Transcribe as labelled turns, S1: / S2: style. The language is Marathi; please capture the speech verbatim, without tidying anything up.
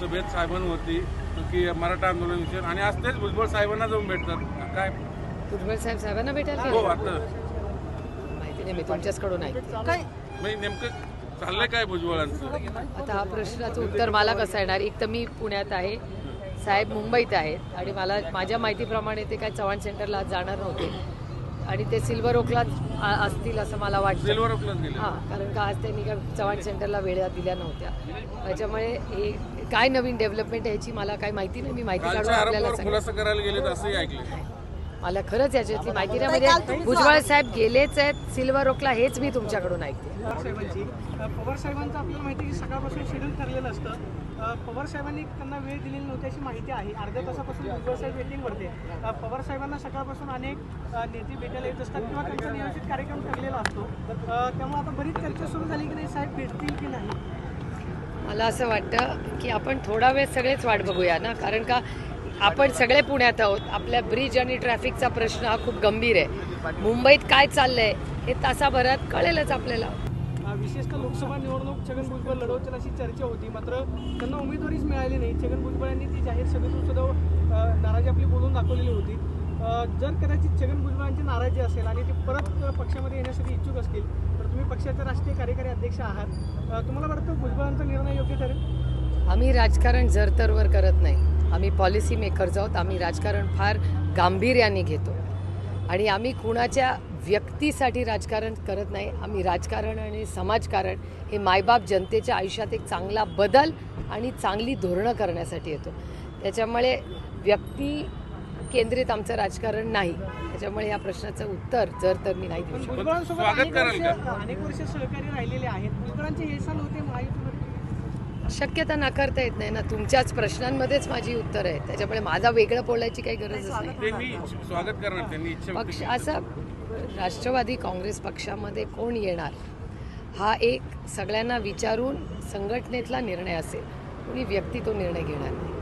S1: सभेत साहेबांवरती की मराठा आंदोलन विषय आणि आज तेच भुजबळ साहेबांना जाऊन भेटतात काय
S2: भुजबळ साहेब साहेबांना भेटायला
S1: हो
S2: गेले?
S1: आता
S2: माहिती नाही, मी तुमच्याचकडून ऐकते.
S3: काय
S1: म्हणजे नेमकं चाललंय काय भुजबळांचं?
S2: आता हा प्रश्नाचं उत्तर मला कसं येणार? एक तर मी पुण्यात आहे, साहेब मुंबईत आहेत आणि मला माझ्या माहितीप्रमाणे ते काय चव्हाण सेंटरला आज जाणार नव्हते आणि ते सिल्वर ओकलाच आ- असतील असं मला वाटतं.
S1: सिल्वर ओकलाच गेले.
S2: हां, कारण का आज त्यांनी काय चव्हाण सेंटरला वेळा दिल्या नव्हत्या. त्याच्यामुळे हे काय नवीन डेव्हलपमेंट ह्याची मला काही माहिती नाही. मी माहिती काढून
S1: कालच्या
S2: आपल्याला
S1: आरोपावर
S2: सांगेन.
S1: खुलासा करायला गेले असंही ऐकले.
S2: मला खरंच याच्यातली माहिती नाही. म्हणजे भुजबळ साहेब गेलेच आहेत सिल्वर ओकला, हेच मी तुमच्याकडून ऐकते.
S3: पवार साहेबांची अ, पवार साहेबांचं आपल्याला माहिती आहे की सकाळपासून शेड्यूल ठरलेलं असतं. अ, पवार साहेबांनी त्यांना वेळ दिलेली नव्हती अशी माहिती आहे. अर्ध्या तासापासून भुजबळ साहेब वेटिंगवरती आहे. अ, पवार साहेबांना सकाळपासून अनेक अ, नेते भेटायला येत असतात किंवा त्यांचा नियोजित कार्यक्रम ठरलेला असतो. अ, त्यामुळे आता बरीच चर्चा सुरू झाली की नाही साहेब भेटतील की नाही.
S2: मला असं वाटतं की आपण थोडा वेळ सगळेच वाट बघूया ना, कारण का आपण सगळे पुण्यात आहोत. आपल्या ब्रिज आणि ट्रॅफिकचा प्रश्न हा खूप गंभीर आहे. मुंबईत काय चाललंय हे तासाभरात कळेलच आपल्याला.
S3: अ, विशेषतः लोकसभा निवडणूक छगन भुजबळ लढवतील अशी चर्चा होती, मात्र त्यांना उमेदवारीच मिळाली नाही. छगन भुजबळ यांनी ती जाहीर सभेतून सुद्धा अ, नाराजी आपली बोलून दाखवलेली होती. अ, जर कदाचित छगन भुजबळांची नाराजी असेल आणि ते परत पक्षामध्ये येण्यासाठी इच्छुक असतील तर तुम्ही पक्षाचे राष्ट्रीय कार्यकारी अध्यक्ष आहात. अ, तुम्हाला वाटतं भुजबळांचा निर्णय योग्य ठरेल?
S2: आम्ही राजकारण जरतरवर करत नाही. आम्ही पॉलिसी मेकर्स आहोत. आम्ही राजकारण फार गांभीर्याने घेतो आणि आम्ही कुणाच्या व्यक्तीसाठी राजकारण करत नाही. आम्ही राजकारण आणि समाजकारण हे मायबाप जनतेच्या आयुष्यात एक चांगला बदल आणि चांगली धोरणं करण्यासाठी येतो. त्याच्यामुळे व्यक्ती केंद्रित आमचं राजकारण नाही. त्याच्यामुळे या प्रश्नाचं उत्तर जर तर मी नाही देऊ शकत.
S3: भुजबळांसोबत
S1: स्वागत
S3: अनेक
S1: कराल
S3: वर्ष अनेक वर्ष सहकारी राहिलेले आहेत. भुजबळांचे हे साल होते महायुतीमध्ये.
S2: शक्यता नाकारता येत नाही ना. तुमच्याच प्रश्नांमध्येच माझी उत्तर आहे. त्याच्यामुळे माझा वेगळं बोलायची काही गरजच नाही.
S1: ते मी स्वागत करणार त्यांनी इच्छा व्यक्त
S2: पक्ष
S1: केली.
S2: असं राष्ट्रवादी काँग्रेस पक्षामध्ये कोण येणार हा एक सगळ्यांना विचारून संघटनेतला निर्णय असेल. कोणी व्यक्ती तो निर्णय घेणार नाही.